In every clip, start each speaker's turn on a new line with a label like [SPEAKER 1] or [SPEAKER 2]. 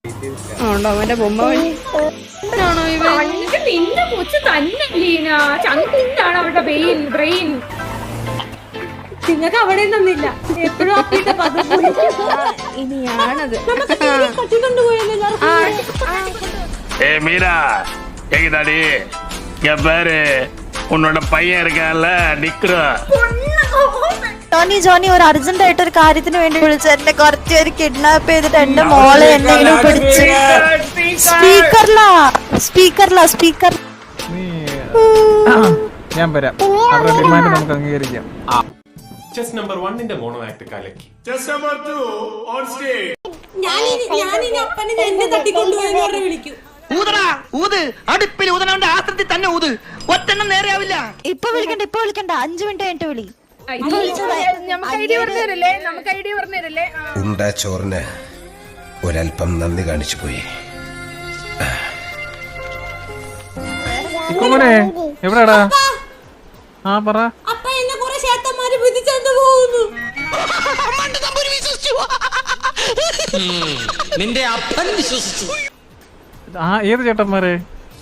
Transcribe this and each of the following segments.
[SPEAKER 1] ഉണ്ടോ അവന്റെ ബൊമ്മ ആണോ ഇവൻ?
[SPEAKER 2] നിന്റെ കൊച്ചു തന്നെ ലീന ചങ്കിന്താണ് അവരുടെ ബ്രെയിൻ. നിങ്ങൾക്ക് അവിടെ നിന്നില്ല എപ്പോഴും
[SPEAKER 1] ഇനിയാണത്.
[SPEAKER 3] மீரா கேக்குதாடி என் பேரு உன்னோட பையன் இருக்கான்ல நிக்கிறா.
[SPEAKER 4] ജോണി ഒരു അർജന്റ് ആയിട്ട് ഒരു കാര്യത്തിന് വേണ്ടി വിളിച്ചു. എന്നെ കുറച്ച് ഒരു കിഡ്നാപ്പ് ചെയ്തിട്ട് എന്റെ മോളെ എന്തെങ്കിലും പിടിച്ച് സ്പീക്കർ
[SPEAKER 5] ഞാൻ വരാം. അവരുടെ ഡിമാൻഡ് നമുക്ക് അംഗീകരിക്കാം.
[SPEAKER 6] ചെസ് നമ്പർ 1 മോണോ ആക്ട് കലക്കി.
[SPEAKER 3] Just number 2 on stage.
[SPEAKER 7] അടുപ്പിൽ ഊതനവന്റെ ആസ്ത്രത്തിൽ തന്നെ ഊത്. ഒറ്റെണ്ണം നേരെയാവില്ല.
[SPEAKER 4] ഇപ്പൊ വിളിക്കണ്ട 5 മിനിറ്റ് കഴിഞ്ഞിട്ട് വിളി.
[SPEAKER 8] ഉണ്ടാ ചോറിന് ഒരൽപ്പം നന്ദി കാണിച്ചു പോയി.
[SPEAKER 5] എവിടെടാ? ആ പറ.
[SPEAKER 7] നിന്റെ അപ്പൻ വിശ്വസിച്ചു.
[SPEAKER 5] ആ ഏത് ചേട്ടന്മാരെ?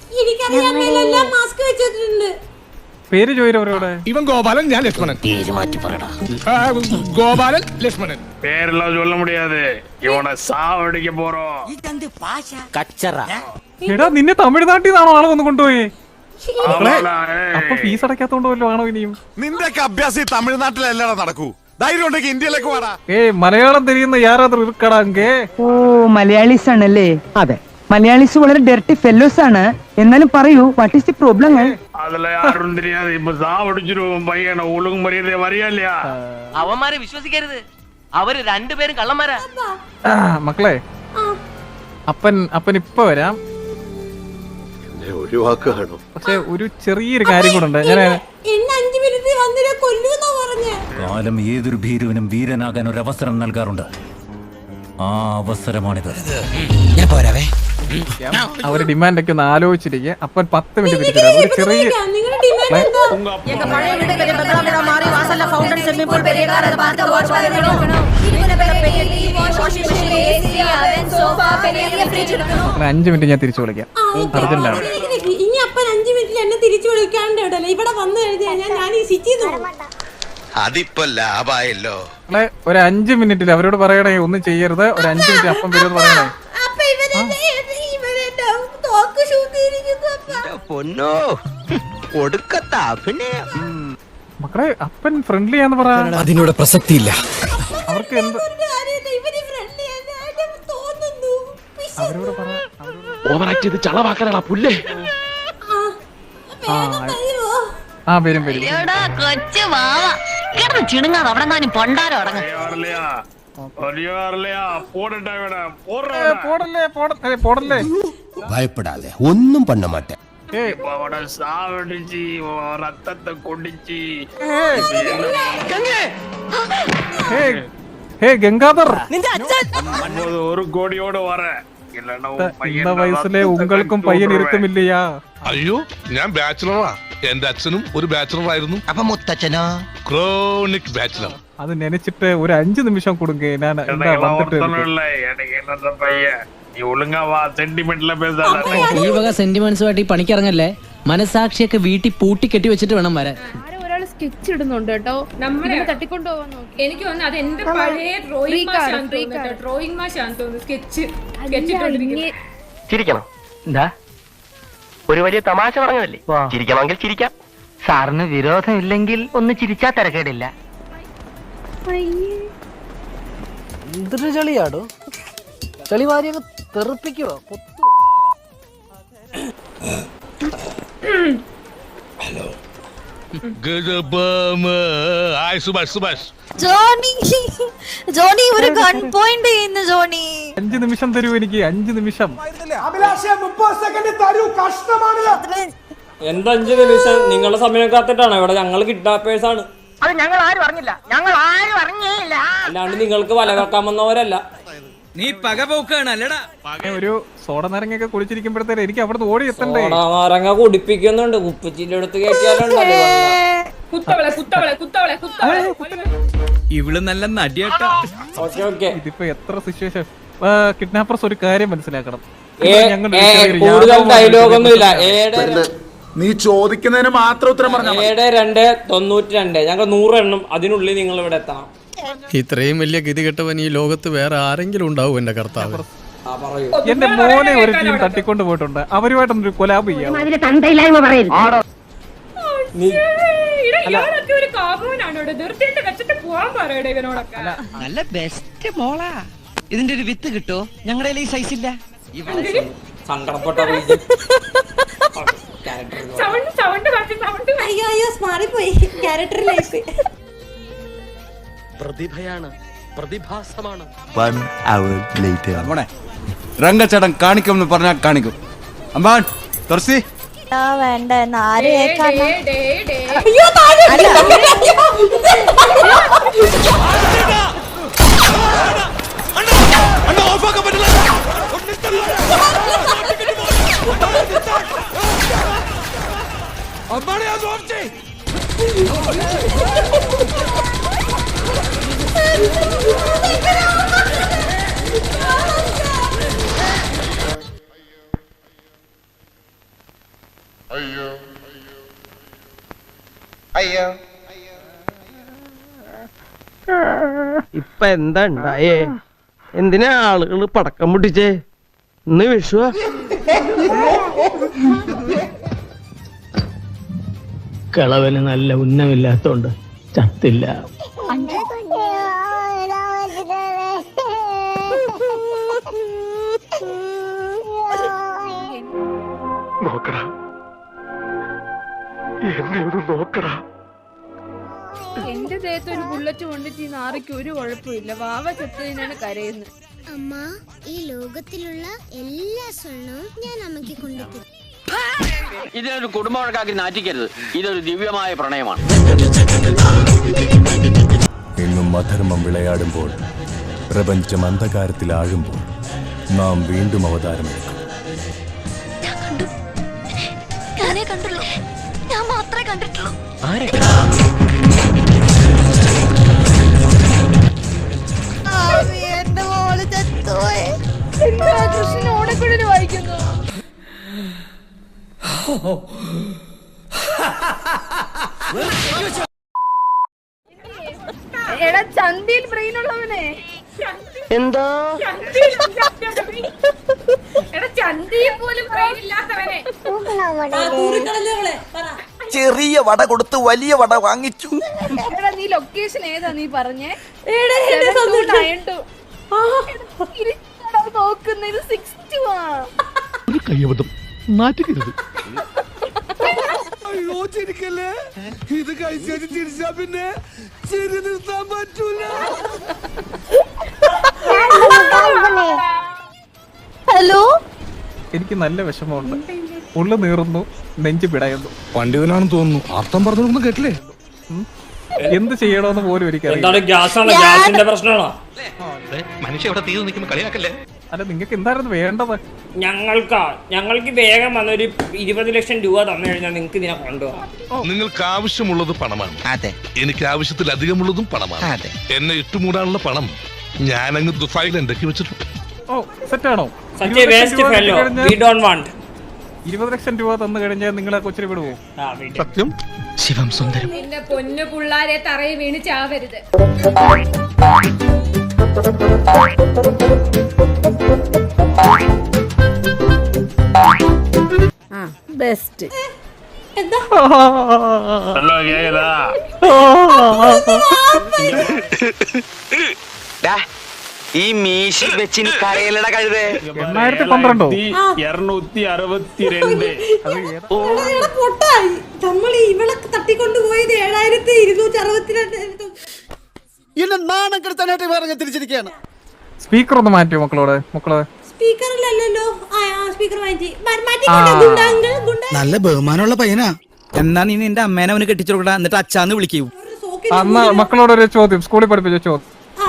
[SPEAKER 5] പേര് ചോദിച്ചവരോടെ.
[SPEAKER 9] ഇവൻ ഗോപാലൻ, ഞാൻ ലക്ഷ്മണൻ.
[SPEAKER 7] പേര് മാറ്റി പറയടാ.
[SPEAKER 9] ഗോപാലൻ ലക്ഷ്മണൻ.
[SPEAKER 3] பேரெல்லாம் சொல்ல முடியாது. இவனை சாவடிக்க போறோம்.
[SPEAKER 7] കച്ചറ.
[SPEAKER 5] എടാ നിന്നെ തമിഴ്നാട്ടിൽ നിന്നാണോ ആളെ ഒന്ന് കൊണ്ടുപോയി?
[SPEAKER 3] ஆமாடா,
[SPEAKER 5] അപ്പൊ ഫീസ് അടയ്ക്കാത്തോണ്ട് വല്ലോ ആണോ ഇനിയും?
[SPEAKER 9] നിന്റെയൊക്കെ അഭ്യാസം തമിഴ്നാട്ടിലല്ലടാ നടക്കൂ. ധൈര്യം ഉണ്ടെങ്കിൽ ഇന്ത്യയിലേക്ക് വാടാ.
[SPEAKER 5] മലയാളം തിരിയുന്ന യാരാദ്ര ഇരിക്കടാങ്കേ.
[SPEAKER 10] ഓ മലയാളീസ് ആണല്ലേ? അതെ, മലയാളീസ് വളരെ ഡെർട്ടി ഫെല്ലോസ് ആണ്. എന്നാലും പറയൂ, വാട്ട് ഈസ് ദി പ്രോബ്ലം?
[SPEAKER 3] அதுல யாரும் தெரியாது. இப்ப சாவடிச்சிருவோம் பையனை. ஒழுங்கு மரியாதை வரியா இல்லையா?
[SPEAKER 7] അവന്മാരെ വിശ്വസിക്കരുത്. അവര് രണ്ടുപേരും കള്ളന്മാരാ.
[SPEAKER 5] മക്കളെ, അപ്പൻ ഇപ്പൊ വരാം.
[SPEAKER 9] ഒഴിവാക്കുകയാണോ?
[SPEAKER 5] പക്ഷെ ഒരു ചെറിയൊരു കാര്യം കൂടെ ഉണ്ട്. ഞാൻ
[SPEAKER 11] കാലം ഏതൊരു ഭീരുവിനും വീരനാകാൻ ഒരു അവസരം നൽകാറുണ്ട്. ആ അവസരമാണിത്.
[SPEAKER 7] ഞാൻ പോരാവേ.
[SPEAKER 5] അവരുടെ ഡിമാൻഡ് ഒക്കെ ഒന്ന് ആലോചിച്ചിരിക്കുക. അപ്പൻ 10 മിനിറ്റ് തിരിച്ചു ഒരു ചെറിയ അങ്ങനെ 5 മിനിറ്റ് ഞാൻ തിരിച്ചു വിളിക്കാം. അർജന്റാണ്.
[SPEAKER 2] ഇനി അപ്പൻ 5 മിനിറ്റിൽ എന്നെ തിരിച്ചു വിളിക്കാണ്ട് ഇവിടെ വന്നു കഴിഞ്ഞാൽ ഞാൻ ഈ സിറ്റി
[SPEAKER 8] അതിപ്പോ ലാഭായല്ലോ.
[SPEAKER 5] ഒരു 5 മിനിറ്റിൽ അവരോട് പറയണേ ഒന്നും ചെയ്യരുത്. ഒരു 5 മിനിറ്റ് അപ്പം വരുമെന്ന് പറയണേ.
[SPEAKER 7] പൊന്നോ ഒടുക്കത്ത അഭിനയം.
[SPEAKER 5] മക്കളെ, അപ്പൻ ഫ്രണ്ട്ലി ആന്ന് പറ.
[SPEAKER 7] അതിനോട് പ്രസക്തിയില്ല.
[SPEAKER 5] അവർക്ക് എന്ത് അവരോട് പറ.
[SPEAKER 6] ഓവറാക്ട് ചെയ്ത് ചളവാക്കാനാ പുല്ലേ.
[SPEAKER 5] വരും.
[SPEAKER 4] കൊച്ചു വാവ ചിണുങ്ങാതെ അവിടെ നിന്നും പൊണ്ടാരോ അടങ്ങ്.
[SPEAKER 5] പോടല്ലേ.
[SPEAKER 8] ഭയപ്പെടാതെ ഒന്നും പണ്ണ മാട്ടേ.
[SPEAKER 3] சாவடிச்சு ரத்தத்தை குடிச்சு
[SPEAKER 5] ഗംഗാധർ,
[SPEAKER 3] ஒரு கோடியோட வர
[SPEAKER 5] இந்த വയസ്സിലെ ഉങ്ങൾക്കും പയ്യൻ ഇരുത്തുമില്ലയാ.
[SPEAKER 9] അയ്യോ, ഞാൻ ബാച്ചിലറാ. എന്റെ അച്ഛനും ഒരു ബാച്ചിലർ ആയിരുന്നു.
[SPEAKER 7] അപ്പൊ മുത്തച്ഛനോ?
[SPEAKER 9] Chronic bachelor.
[SPEAKER 5] അത് നനച്ചിട്ട് ഒരു 5 നിമിഷം കൊടുക്കേ. ഞാൻ
[SPEAKER 3] பையன் நீ ஒழுங்கா வா. சென்டிமெண்ட்ல பேசாத.
[SPEAKER 7] ഈ വക സെന്റിമെന്റ്സുമായിട്ട് ഈ പണിക്കിറങ്ങല്ലേ. മനസാക്ഷിയൊക്കെ വീട്ടിൽ പൂട്ടി കെട്ടി വെച്ചിട്ട് വേണം വരാൻ.
[SPEAKER 1] സ്കെച്ച് ഇടുന്നുണ്ട് കേട്ടോ. നമ്മളെ തട്ടിക്കൊണ്ടുപോകാൻ നോക്കി.
[SPEAKER 2] എനിക്ക് തോന്നുന്നു അത് എന്റെ പഴയ ഡ്രോയിങ് മാഷാന്ന് തോന്നുന്നു. സ്കെച്ച്
[SPEAKER 7] ചിരിക്കണം. എന്താ ഒരു വലിയ തമാശ പറഞ്ഞതല്ലേ? ചിരിക്കണമെങ്കിൽ ചിരിക്കാം. സാറിന് വിരോധം ഇല്ലെങ്കിൽ ഒന്ന് ചിരിച്ചാ തിരക്കേടില്ല. എന്തൊരു ചളിയാടോ. ചളിവാരിയൊക്കെ തെറിപ്പിക്കുവോ?
[SPEAKER 8] ഹലോ
[SPEAKER 4] ജോണി ഒരു ഗൺ പോയിന്റ് ചെയ്യുന്നു. ജോണി
[SPEAKER 5] 5 നിമിഷം തരൂ എനിക്ക്. 5 നിമിഷം.
[SPEAKER 12] എന്താ 5 നിമിഷം? നിങ്ങളുടെ സമയം കാത്തിട്ടാണ് ഇവിടെ. ഞങ്ങൾ കിഡ്നാപ്പേഴ്സ് ആണ്.
[SPEAKER 7] അത് ഞങ്ങൾ ആരും അറിഞ്ഞില്ല.
[SPEAKER 12] അല്ലാണ്ട് നിങ്ങൾക്ക് വല കക്കാൻ വന്നവരല്ല.
[SPEAKER 7] നീ പകപോക്കാണ് അല്ലടാ.
[SPEAKER 5] ഒരു സോഡ നാരങ്ങയൊക്കെ കുളിച്ചിരിക്കുമ്പോഴത്തേക്ക് എനിക്ക് അവിടെ ഓടി എത്തണ്ടേ.
[SPEAKER 12] നാരങ്ങ കുടിപ്പിക്കുന്നുണ്ട്. കുപ്പിച്ചിന്റെ അടുത്ത് കയറ്റിയാലുണ്ടല്ലോ.
[SPEAKER 7] ഇവള് നല്ല നടിയാട്ടാ.
[SPEAKER 12] ഓക്കെ.
[SPEAKER 5] ഇതിപ്പോ എത്ര സിറ്റുവേഷൻ കിഡ്നാപ്പേഴ്സ് ഒരു കാര്യം മനസ്സിലാക്കണം.
[SPEAKER 12] കൂടുതൽ ഡയലോഗൊന്നുമില്ല.
[SPEAKER 9] നീ ചോദിക്കുന്നതിന് മാത്രം ഉത്തരം പറഞ്ഞു.
[SPEAKER 12] 7-2-92 ഞങ്ങൾ 100 എണ്ണം അതിനുള്ളിൽ നിങ്ങൾ ഇവിടെ എത്തണം.
[SPEAKER 6] ഇത്രയും വലിയ ഗതികെട്ടവൻ ഈ ലോകത്ത് വേറെ ആരെങ്കിലും ഉണ്ടാവും എന്റെ കർത്താവ്.
[SPEAKER 5] എന്റെ മോനെ ഒരു ടീം തട്ടിക്കൊണ്ട് പോയിട്ടുണ്ട്. അവരുമായിട്ടൊന്നൊരു കൊലാബ് ചെയ്യാം.
[SPEAKER 10] നല്ല ബെസ്റ്റ് മോളാ. ഇതിന്റെ ഒരു വിത്ത് കിട്ടോ? ഞങ്ങളുടെ ഈ സൈസ് ഇല്ല.
[SPEAKER 12] സങ്കടപ്പെട്ട
[SPEAKER 2] അയ്യോ മാറിപ്പോയി ക്യാരക്ടറിലേക്ക്.
[SPEAKER 7] പ്രതിഭയാണ്, പ്രതിഭാസമാണ്.
[SPEAKER 6] രംഗച്ചടം കാണിക്കും പറഞ്ഞാൽ കാണിക്കും. അമ്പാൻ തുറസി
[SPEAKER 4] വേണ്ട ആരെ
[SPEAKER 2] അയ്യോ താഴെ
[SPEAKER 7] ഇപ്പൊ എന്താ ഉണ്ടായേ? എന്തിനാ ആളുകൾ പടക്കം പൊട്ടിച്ചേ? ഇന്ന് വിഷുവാ.
[SPEAKER 10] കളവന് നല്ല ഉന്നമില്ലാത്തോണ്ട് ചത്തില്ല.
[SPEAKER 6] നോക്കടാ, എന്നെ ഒന്ന് നോക്കടാ.
[SPEAKER 1] എന്റെ ദേഹത്ത് ഒരു ബുള്ളറ്റ് കൊണ്ടിട്ട് ഈ നാറിക്ക് ഒരു കുഴപ്പമില്ല. വാവ ചത്തതിനാണ് കരയുന്നത്.
[SPEAKER 2] അമ്മ, ഈ ലോകത്തിലുള്ള എല്ലാ സ്വർണവും ഞാൻ അമ്മയ്ക്ക് കൊണ്ടുപോകും.
[SPEAKER 7] ഇതിനൊരു കുടുംബവഴക്കാക്കി നാറ്റിക്കരുത്. ഇതൊരു ദിവ്യമായ പ്രണയമാണ്.
[SPEAKER 11] എങ്ങും അധർമ്മം വിളയാടുമ്പോൾ, പ്രപഞ്ചം അന്ധകാരത്തിൽ ആഴുമ്പോൾ നാം വീണ്ടും അവതാരമെടുക്കും.
[SPEAKER 4] ഞാൻ മാത്രമേ കണ്ടിട്ടുള്ളൂ. എന്റെ മോള് ചത്തുപോയി.
[SPEAKER 1] കൃഷ്ണൻ ഓണക്കുഴല് വായിക്കുന്നു. എടാ ചന്തിയിൽ ബ്രെയിൻ ഉള്ളവനെ.
[SPEAKER 7] എന്താ
[SPEAKER 1] എടാ ചന്തിയിൽ പോലും ബ്രെയിൻ ഇല്ലാത്തവനെ.
[SPEAKER 7] ചെറിയ വട കൊടുത്ത് വലിയ വട വാങ്ങിച്ചു.
[SPEAKER 1] എടാ നീ ലൊക്കേഷൻ ഏതാ നീ പറഞ്ഞേ? നോക്കുന്നത് 62
[SPEAKER 6] കയ്യബദ്ധം നാറ്റിക്കരുത്.
[SPEAKER 9] അയ്യോ ചിരിക്കല്ലേ, ഇത് കഴിച്ചു ചിരിച്ചാ പിന്നെ ചിരി നിർത്താൻ പറ്റൂല.
[SPEAKER 4] ഹലോ,
[SPEAKER 5] എനിക്ക് നല്ല വിഷമമുണ്ട്. ഉള്ളു നീറുന്നു, നെഞ്ചു പിടയുന്നു.
[SPEAKER 9] പണ്ഡിതനാണെന്ന് തോന്നുന്നു. അർത്ഥം പറഞ്ഞൊന്നും കേട്ടില്ലേ?
[SPEAKER 5] എന്ത് ചെയ്യണമെന്ന് പോലും എനിക്കറിയാം.
[SPEAKER 12] എന്താണ് ഗ്യാസാണോ? ഗ്യാസിന്റെ പ്രശ്നമാണോ?
[SPEAKER 6] മനുഷ്യ ഇവിടെ തീ നിൽക്കുമ്പോ കളിയാക്കല്ലേ.
[SPEAKER 5] അല്ല, നിങ്ങൾക്ക് എന്തായിരുന്നു വേണ്ടത്?
[SPEAKER 12] ഞങ്ങൾക്ക് വേഗം വന്നൊരു 20 ലക്ഷം രൂപ തന്നു കഴിഞ്ഞാൽ നിങ്ങൾക്ക് ഇതിനെ കൊണ്ടുപോകാം.
[SPEAKER 9] നിങ്ങൾക്ക് ആവശ്യമുള്ളത് പണമാണ്. അതെ, എനിക്ക് ആവശ്യത്തിലധികമുള്ളതും പണമാണ്. എന്നെ ഇട്ടുമൂടാനുള്ള പണം ഞാനങ്ങ് ദുഫായിൽ ഉണ്ടാക്കി വെച്ചിട്ടുണ്ട്.
[SPEAKER 5] ഓ, സെറ്റാണോ? 20 ലക്ഷം രൂപ തന്നു കഴിഞ്ഞാൽ നിങ്ങളെ കൊച്ചിനെ വിടുവോ?
[SPEAKER 9] സത്യം.
[SPEAKER 6] ശിവം സുന്ദരം.
[SPEAKER 1] എന്റെ പൊന്നു പിള്ളാരെ തറയിൽ വീണ് ചാവരുത്. ബെസ്റ്റ്.
[SPEAKER 3] ഹലോ, കേക്കതാ?
[SPEAKER 7] ഈ മീശി വെച്ച് കരയിലട കഴുതേ.
[SPEAKER 3] 262.
[SPEAKER 2] നമ്മൾ ഇവളെ തട്ടിക്കൊണ്ടുപോയത് 7262.
[SPEAKER 10] എന്നെ നാണം കെടുത്താനായിട്ട് പറഞ്ഞ തിരിച്ചിരിക്കുകയാണ്.
[SPEAKER 5] സ്പീക്കർ ഒന്ന് മാറ്റിയോ മക്കളോട്?
[SPEAKER 2] സ്പീക്കറിലല്ലോ. സ്പീക്കർ മാറ്റി.
[SPEAKER 10] നല്ല ബഹുമാനമുള്ള പയ്യനാ. എന്നാ നീ നിന്റെ അമ്മേനെ അവന് കെട്ടിച്ചു കൊടുക്കടാ, എന്നിട്ട് അച്ഛാന്ന് വിളിക്കൂ.
[SPEAKER 5] അന്ന് മക്കളോട് ഒരു ചോദ്യം, സ്കൂളിൽ പഠിപ്പിച്ച ചോദ്യം.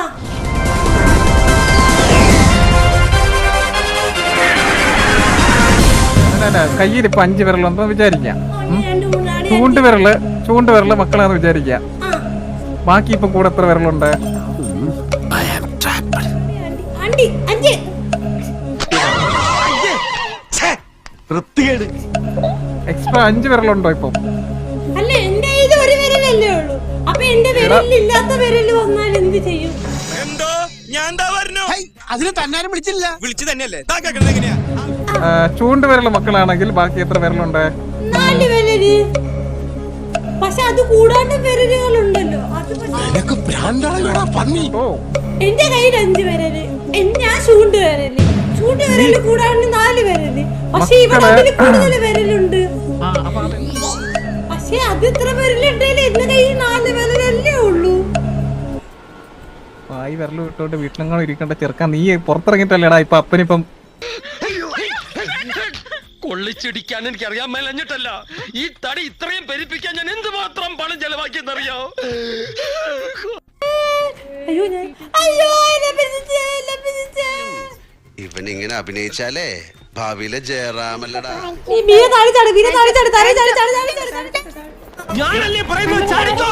[SPEAKER 5] കയ്യിൽ ഇപ്പൊ 5 വിരലുണ്ടെന്ന് വിചാരിക്കാം. ചൂണ്ടുവിരല് മക്കളാന്ന് വിചാരിക്കാം. ബാക്കി ഇപ്പൊ കൂടെ എത്ര വിരലുണ്ട്? എക്സ്ട്രാ 5 വിരലുണ്ടോ ഇപ്പൊ?
[SPEAKER 2] അല്ല എന്റെ കയ്യിൽ ഒരു വിരലല്ലേ ഉള്ളൂ. അപ്പൊ എന്റെ വിരലില്ലാത്ത വിരല് വന്നാൽ എന്ത് ചെയ്യും?
[SPEAKER 5] ചൂണ്ട് വിരൽ മക്കളാണെങ്കിൽ ബാക്കി എത്ര വിരലുണ്ട്?
[SPEAKER 2] 4 വിരല്. പക്ഷെ അത് കൂടാണ്ട് വിരലുകളുണ്ടല്ലോ. അത്
[SPEAKER 5] ഓ
[SPEAKER 2] എന്റെ കയ്യിൽ 5 വിരല്. ഞാൻ ചൂണ്ട് വിരല് കൂടാണ്ട് 4 വിരല്. പക്ഷെ ഇവിടെ അതില് കൂടുതൽ വിരലുണ്ട്. പക്ഷെ അത് ഇത്ര വിരലുണ്ടെങ്കിലും എന്റെ കയ്യിൽ 4 വിരലല്ലേ ഉള്ളൂ.
[SPEAKER 5] ഈ വിരൽ വിട്ടോണ്ട് വീട്ടിലെങ്ങാനും ഇരിക്കേണ്ട ചെറുക്കാൻ നീ പുറത്തിറങ്ങിട്ടല്ലേടാ ഇപ്പൊ അപ്പനിപ്പം
[SPEAKER 7] കൊള്ളിച്ചിടിക്കാൻ എനിക്ക് അറിയാൻ മേലഞ്ഞിട്ടല്ല, ഈ തടി ഇത്രയും പെരിപ്പിക്കാൻ ഞാൻ എന്തുമാത്രം പണം ചെലവാക്കിയെന്നറിയോ?
[SPEAKER 8] ഇവനിങ്ങനെ അഭിനയിച്ചാലേ ഭാവിയിലെ ജയറാമല്ലടാ.
[SPEAKER 7] ഞാനല്ലേ പറയുന്നത് ചാടിക്കോ.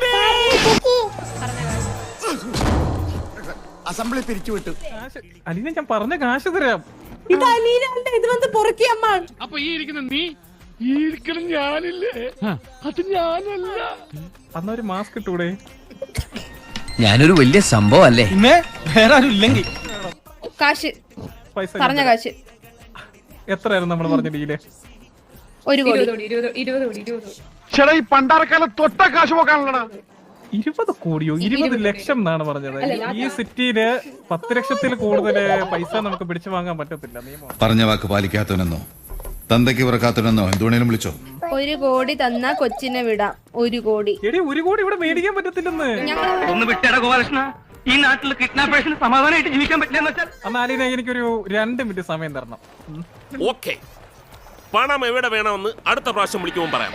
[SPEAKER 5] അസംബ്ലി പിരിച്ചുവിട്ടു. അലീന ഞാൻ പറഞ്ഞ കാശ് തരാം.
[SPEAKER 2] ഇത് അലീനല്ല, ഇത് വന്ന് പൊറുക്കിയമ്മ.
[SPEAKER 3] അപ്പൊ ഈ ഇരിക്കുന്ന നീ, ഈ ഇരിക്കണം ഞാനില്ലേ, അത് ഞാനല്ല.
[SPEAKER 5] അന്നൊരു മാസ്ക് ഇട്ടൂടെ?
[SPEAKER 7] ഞാനൊരു വലിയ സംഭവം അല്ലേ?
[SPEAKER 5] വേറെ ആരും ഇല്ലെങ്കിൽ
[SPEAKER 1] കാശ്
[SPEAKER 5] പൈസ
[SPEAKER 1] പറഞ്ഞ കാശ്
[SPEAKER 5] എത്രയായിരുന്നു നമ്മൾ പറഞ്ഞ ഡീല്?
[SPEAKER 1] 1 കോടി.
[SPEAKER 3] 20 ചേട്ടാ ഈ പണ്ടാരക്കാലം തൊട്ട കാശ് പോക്കാണല്ലടാ.
[SPEAKER 5] 20 കോടിയോ? 20 ലക്ഷം എന്നാണ് പറഞ്ഞത്. ഈ സിറ്റിയില് 10 ലക്ഷത്തിൽ കൂടുതൽ പൈസ നമുക്ക് പിടിച്ചു വാങ്ങാൻ പറ്റത്തില്ല. നിയമം
[SPEAKER 8] പറഞ്ഞ വാക്ക് പാലിക്കാത്തവനെന്നോ തന്തയ്ക്ക് പിറക്കാത്തവനെന്നോ എന്തുവേണേലും വിളിച്ചോ.
[SPEAKER 1] 1 കോടി തന്നാ കൊച്ചിനെ വിടാം. 1 കോടി.
[SPEAKER 5] എടി 1 കോടി ഇവിടെ മേടിക്കാൻ പറ്റത്തില്ലെന്ന്.
[SPEAKER 7] ഒന്ന് വിട്ടേടാ ഗോപാലകൃഷ്ണ, ഈ നാട്ടിൽ കിഡ്നാപ്പേഴ്സിന് സമാധാനമായിട്ട് ജീവിക്കാൻ പറ്റില്ലെന്ന് വെച്ചാൽ.
[SPEAKER 5] അന്നാലിനെ എനിക്കൊരു 2 മിനിറ്റ് സമയം തരണം.
[SPEAKER 9] ഓക്കെ, പണം എവിടെ വേണമെന്ന് അടുത്ത പ്രാവശ്യം വിളിക്കുമ്പോൾ പറയാം.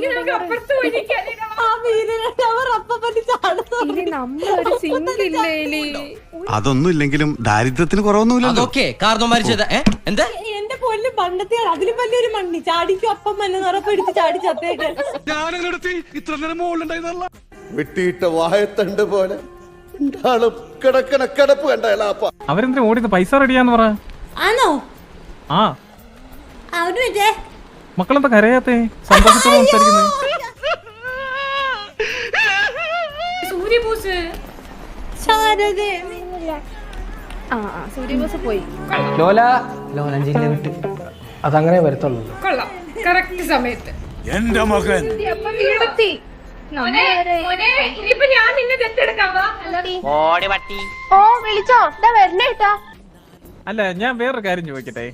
[SPEAKER 8] അതൊന്നും ഇല്ലെങ്കിലും ദാരിദ്ര്യത്തിന് കുറവൊന്നുമില്ലല്ലോ.
[SPEAKER 2] എന്റെ പൊന്നു പണ്ടത്തെ അതിലും വലിയൊരു മണ്ണി ചാടിക്കും അപ്പം വല്ല നിറപ്പെടുത്ത് ചാടി ചത്തേക്ക്.
[SPEAKER 9] ഇത്ര നേരം മുകളിലുണ്ടായിരുന്നല്ല.
[SPEAKER 8] വെട്ടിയിട്ട വായത്തണ്ട് പോലെ കിടക്കണ കിടപ്പ് കണ്ടല്ല.
[SPEAKER 5] അവരെന്തിനാ ഓടിയത്? പൈസ റെഡിയാന്ന് പറ.
[SPEAKER 2] ആണോ?
[SPEAKER 5] ആ
[SPEAKER 2] അവന് പറ്റേ
[SPEAKER 5] മക്കളെന്താ കരയാത്തേ? സന്തോഷത്തോടെ സംസാരിക്കുന്നത്.
[SPEAKER 1] സൂര്യബോസ് സൂര്യബോസ് പോയി.
[SPEAKER 10] ലോലഞ്ചിന്റെ വിട്ട് അതങ്ങനെ വരത്തുള്ളൂ.
[SPEAKER 1] കൊള്ളാം, കറക്റ്റ് സമയത്ത്
[SPEAKER 9] എന്റെ മകൻ
[SPEAKER 5] അല്ല ഞാൻ വേറൊരു കാര്യം ചോദിക്കട്ടെ?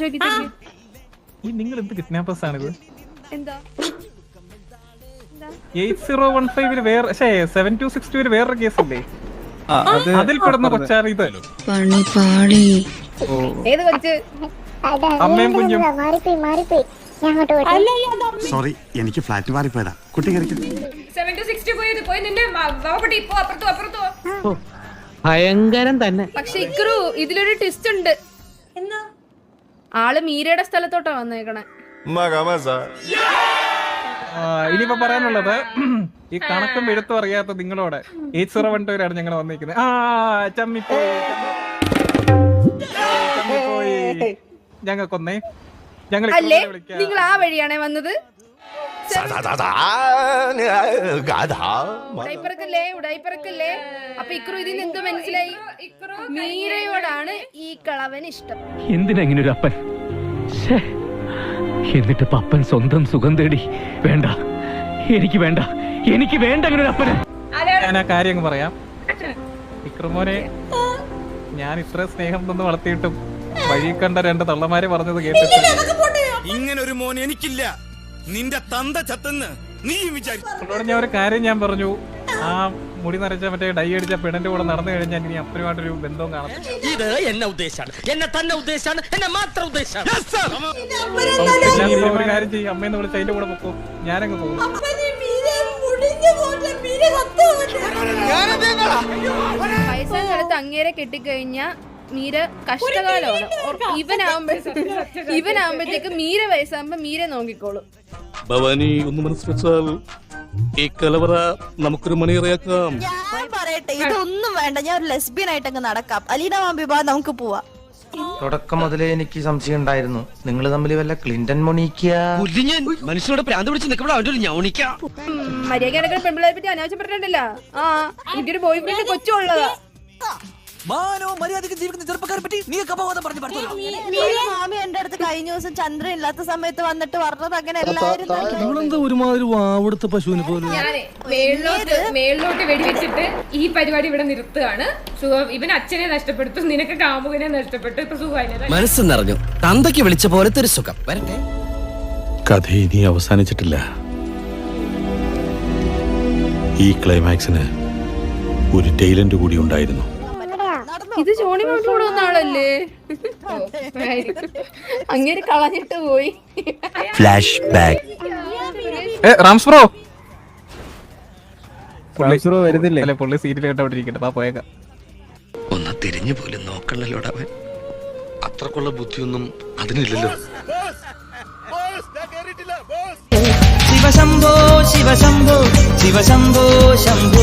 [SPEAKER 5] ഈ നിങ്ങൾ എന്ത് കിഡ്നാപ്പേഴ്സ് ആണിത്?
[SPEAKER 1] എന്താ
[SPEAKER 5] 8015 വേറെ 7262 വേറൊരു കേസില്ലേ? അതിൽ പെടുന്ന കൊച്ചാണ് ഇത്.
[SPEAKER 1] ഏത് കൊച്ച്?
[SPEAKER 5] അമ്മയും കുഞ്ഞും.
[SPEAKER 8] സോറി, എനിക്ക് ഫ്ലാറ്റ് മാറിപ്പോയതാ. കുട്ടി
[SPEAKER 10] ഭയങ്കരം തന്നെ.
[SPEAKER 1] പക്ഷെ ഇക്രു ഇതിലൊരു ട്വിസ്റ്റ് ഉണ്ട്. ആള് മീരയുടെ സ്ഥലത്തോട്ടാ വന്നേക്കണേ.
[SPEAKER 5] ഇനിയിപ്പോ പറയാനുള്ളത് ഈ കണക്കും എഴുത്തും അറിയാത്ത നിങ്ങളോട് 8012 ഞങ്ങൾ വന്നിരിക്കുന്നത്. ചമ്മിപ്പോയി ഞങ്ങൾക്കൊന്നേ. ഞങ്ങൾ
[SPEAKER 1] അല്ലേ നിങ്ങൾ ആ വഴിയാണേ വന്നത്? ഉടായിപ്പറക്കല്ലേ. അപ്പൊ ഇക്രു ഇതിന് എന്തോ മനസ്സിലായി? മീരയോടാണ് ഈ കളവന് ഇഷ്ടം.
[SPEAKER 7] എന്തിനാ ഇങ്ങനെ ഒരു അപ്പൻ? എന്നിട്ട് പപ്പൻ സ്വന്തം സുഖം തേടി. വേണ്ട, എനിക്ക് വേണ്ട അങ്ങനെ ഒരു അപ്പന്.
[SPEAKER 5] ഞാൻ ആ കാര്യം അങ്ങ് പറയാം. ഇക്രുമോനെ, ഞാൻ ഇത്ര സ്നേഹം തന്ന് വളർത്തിയിട്ടും വഴി കണ്ട 2 തള്ളമാരെ പറഞ്ഞത് കേട്ടിട്ട്
[SPEAKER 9] ഇങ്ങനെ ഒരു മോൻ എനിക്കില്ല. നിന്റെ തന്ത ചത്തെന്ന് നീ വിചാരിച്ചു.
[SPEAKER 5] ഞാൻ ഒരു കാര്യം ഞാൻ പറഞ്ഞു. ആ മുടി നരച്ച മറ്റേ ഡൈ അടിച്ച പെടന്റെ കൂടെ നടന്നു കഴിഞ്ഞാൽ ഇനി അപ്പനുമായിട്ടൊരു ബന്ധവും കാണത്തില്ല.
[SPEAKER 7] ഇത് എന്നെ ഉദ്ദേശാണ്, എന്നെ തന്നെ ഉദ്ദേശാണ്, എന്നെ മാത്രം ഉദ്ദേശാണ്.
[SPEAKER 5] ഒരു കാര്യം ചെയ്യും, അമ്മയെന്ന് വിളിച്ച് അതിന്റെ കൂടെ പൊക്കോ. ഞാനങ്ങ് പോകും.
[SPEAKER 1] വയസ്സാകാലത്ത് അങ്ങേരെ കെട്ടിക്കഴിഞ്ഞ മീര കഷ്ടകാലമാണ്. ഇവനാകുമ്പോഴത്തേക്ക് മീര വയസ്സാകുമ്പോ മീര നോക്കിക്കോളും.
[SPEAKER 9] ഭവാനി ഒന്ന് മനസ്സിലാൽ ഈ കലവറ നമുക്കൊരു മണിയറയാക്കാം.
[SPEAKER 4] ഞാൻ പറയട്ടെ, ഇതൊന്നും വേണ്ട. ഞാൻ ഒരു ലെസ്ബിയൻ ആയിട്ട് അങ്ങ് നടക്കാം. അലീന മാമ്പി ബാ, നമുക്ക് പോവാം.
[SPEAKER 7] തുടക്കം മുതലേ എനിക്ക് സംശയം ഉണ്ടായിരുന്നു നിങ്ങൾ തമ്മിൽ വല്ല ക്ലിന്റൺ മൊണീക്ക
[SPEAKER 6] മനുഷ്യനോട് പ്രാന്ത് പിടിച്ച് നിൽക്കുമ്പോൾ അവൻ്റെ ഒരു ഞൗണിക്ക
[SPEAKER 1] മര്യാദ കിടക്കുന്ന പെൺപിള്ളേരെ പറ്റി അനാവശ്യം പറഞ്ഞിട്ടില്ല. ആ എനിക്കൊരു ബോയ് ഫ്രണ്ട് കൊച്ചുള്ളതാ.
[SPEAKER 4] മാമി എന്റെ അടുത്ത് കഴിഞ്ഞ ദിവസം ചന്ദ്രൻ ഇല്ലാത്ത സമയത്ത് വന്നിട്ട് പറഞ്ഞത് അങ്ങനെ എല്ലാവരും
[SPEAKER 6] ഒരുമാതിരി വാവെടുത്ത പശുവിനെ പോലെ.
[SPEAKER 1] ഞാനേ മേളിലോട്ട് വെടിവെച്ചിട്ട് ഈ പരിപാടി ഇവിടെ നിർത്തുകയാണ്. ഇവൻ അച്ഛനെ നഷ്ടപ്പെടുത്തു, നിനക്ക് കാമുകനെ നഷ്ടപ്പെട്ടു, ഇപ്പൊ സുഖമായി.
[SPEAKER 6] മനസ്സ് നിറഞ്ഞു, തന്തയ്ക്ക് വിളിച്ച പോലത്തെ ഒരു സുഖം. വരട്ടെ.
[SPEAKER 9] കഥ ഇനി അവസാനിച്ചിട്ടില്ല. ഈ ക്ലൈമാക്സിന് ഒരു ടൈലന്റ് കൂടി ഉണ്ടായിരുന്നു.
[SPEAKER 1] ഇത് ജോണി മാമിലൂടെ വന്ന ആളല്ലേ? അങ്ങനെ കളഞ്ഞിട്ട് പോയി.
[SPEAKER 6] Flash back.
[SPEAKER 5] റാംസ് ബ്രോ വരുന്നില്ലേ? അല്ലെ പുള്ളി സീരിയൽ കേട്ടോണ്ടിരിക്കട്ടെ. ആ പോയേക്കാം.
[SPEAKER 6] ഒന്ന് തിരിഞ്ഞു പോലും നോക്കണല്ലോടവൻ.
[SPEAKER 9] അത്രക്കുള്ള ബുദ്ധിയൊന്നും അതിനില്ലല്ലോ.
[SPEAKER 10] ശിവശംഭോ ശിവശംഭോ ശിവശംഭോ ശംഭോ